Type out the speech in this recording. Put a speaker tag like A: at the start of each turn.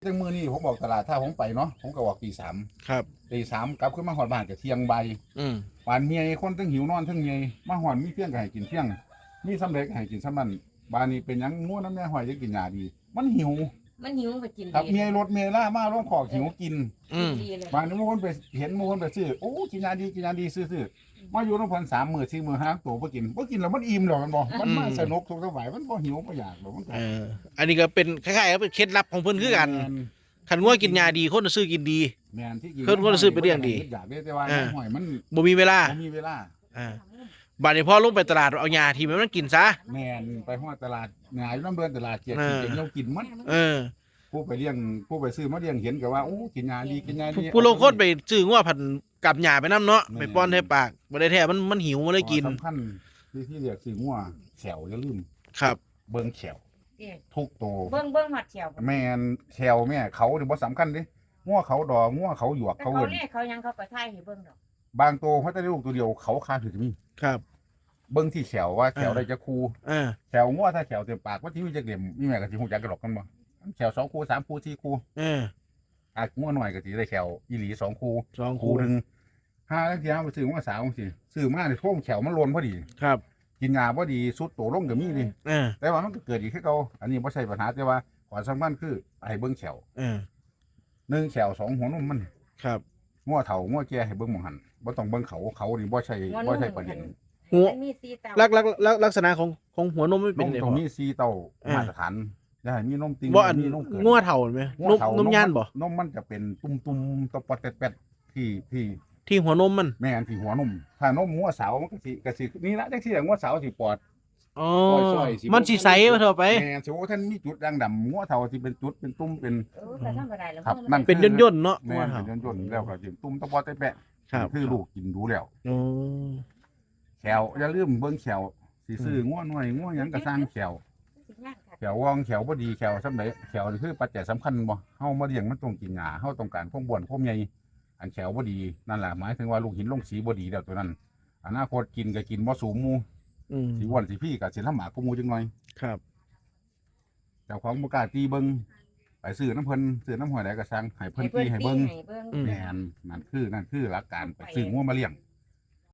A: จังมือนี่ผมบอกตลาดถ้าผมไปเนาะผมก็บอกตี 3
B: ครับ
A: ตี 3กลับขึ้นมาหอดบ้านก็เที่ยงใบหวานเมียคนทั้งหิวนอนทั้งเมียมาหอดมีเที่ยงก็ให้กินเที่ยงมีสำเร็จก็ให้กินสำนันบ้านนี้เป็นยังง่วน้ำแม่หอยจะกินยาดี มันหิว
C: ไปกิน
A: ครับ
C: ดี
A: เมียรถเมียล่ามาร้องขอหิวกิน
C: ดีเลย
A: บ้านนี้บางคนไปเห็นบางคนไปซื้อโอ้กินยาดีกินยาดีซื้อมาอยู่น้ำพัน3 มื้อ4 มื้อ5 ตัวบ่กินแล้วมันอิ่มหรอกมันบอกมันมาสนุกทุกสมัยมันบ่หิวบ่อยากหรอกมันก็
B: อันนี้ก็เป็นคล้ายๆเป็นเคล็ดลับของเพิ่นคือกันขันง่วกินยาดีคนซื้อกินดี
A: แม่นที่กิน
B: คนซื้อไปเลี้ยงดี
A: อยากได้แต่ว่าหอยมัน
B: บ่มีเวลาบัดนี้พอลงไปตลาดเอายาที่มันกินซะ
A: แม่นไปฮอดตลาดหงายน้ำเบิ่นตลาดเกียรติเก่งเรากินมันผู้ไปเลี้ยงผู้ไปซื้อมาเลี้ยงเห็นก็ว่าโอ้กินยาดีกินยาดี
B: ผู้ลงคนไปซื้องัวผันกับหญ้าไปน้ำเนาะไปป้อนให้ปากบ่ได้แท้มันหิวมันเลยกิน
A: สำคัญที่เรียกซื้องัวแขวอย่าลืม
B: ครับ
A: เบิ่งแขวทุกตัว
C: เบิ่งหอดแขว
A: แม่นแขวแม่เขานี่บ่สำคัญดิงัวเขาดองัวเขาหยวกเขาเอิ้น
C: เขายังเขาก็ถ่ายให้เบิ่งดอก
A: บางตัวเขาจะได้ลูกตัวเดียวเขาคาถือมี
B: ครับ
A: เบิ่งที่แขวว่าแขวได้จะคูแขวงัวถ้าแขวเต็มปากว่าที่มีจะเก็บมีแม่ก็สิฮู้จักกันหรอกกันบ่แขว2 คู่3 คู่4 คู่งัวหน่อยก็สิได้แขวอีหลี2 คู่คู่นึงห้าแล้วเดี๋ยวไปซื้องัวสาวสิซื้อมาในท่วมแขวมันล้นพอดี
B: ครับ
A: กินยาพอดีสุดโตลงก็มีนี่แต่ว่ามันก็เกิดอีกคือเก่าอันนี้บ่ใช่ปัญหาแต่ว่าขอสำคัญคือให้เบิ่งแขว1 แขว 2 หัวนมมัน
B: ครับ
A: งัวเฒ่างัวแก่ให้เบิ่งหม่องหันบ่ต้องเบิ่งเขานี่บ่ใช่ประเด็น
B: หัวลักษณะของหัวนมไม่เป็น
A: ไงตรงนี้4 เต้ามาตรฐานอย่าให้มีนมติ่ง
B: มีนมเกินงัวเฒ่ามั้ยนมย่านบ่
A: นมมันจะเป็นตุ่มๆตะปอดแป๊ดๆที่
B: หัวนมมัน
A: แม่นที่หัวนมถ้านมงัวสาวมันก็สินี่ละจังซี่งัวสาวสิปอด
B: มันสิใสมาเถอะไป
A: แม่นสิโอ้ท่านมีจุดด่างดำงัวเฒ่าสิเป็นจุดเป็นตุ่มเป็น
C: ครับ
A: นั่น
B: เป็นย่นๆเนาะ
A: แม่นเป็นย่นๆแล้วก็สิตุ่มตะปอดแป๊ดๆคือลูกกินดูแล้วแขวอย่าลืมเบิ่งแขวสิซื้องัวน้อยงัวหยังก็สร้างแขววองแขวบ่ดีแขวซำใดแขวนี่คือปัจจัยสำคัญบ่เฮามาเลี้ยงมันต้องกินหญ้าเฮาต้องการความบ้วนความใหญ่อันแขวบ่ดีนั่นแหละหมายถึงว่าลูกหินลงสีบ่ดีแล้วตัวนั้นอนาคตกินก็กินบ่สูงหมู่สิอ้วนสิพี่ก็สิลำบากกว่าหมู่จังหน่อย
B: ครับ
A: เจ้าของบ่กล้าตีเบิ่งไปซื้อน้ำเพิ่นซื้อน้ำห้อยใดก็สั่งให้เพิ่นตีให้เบิ่งแม่นนั่นคือหลักการไปซื้องัวมาเลี้ยง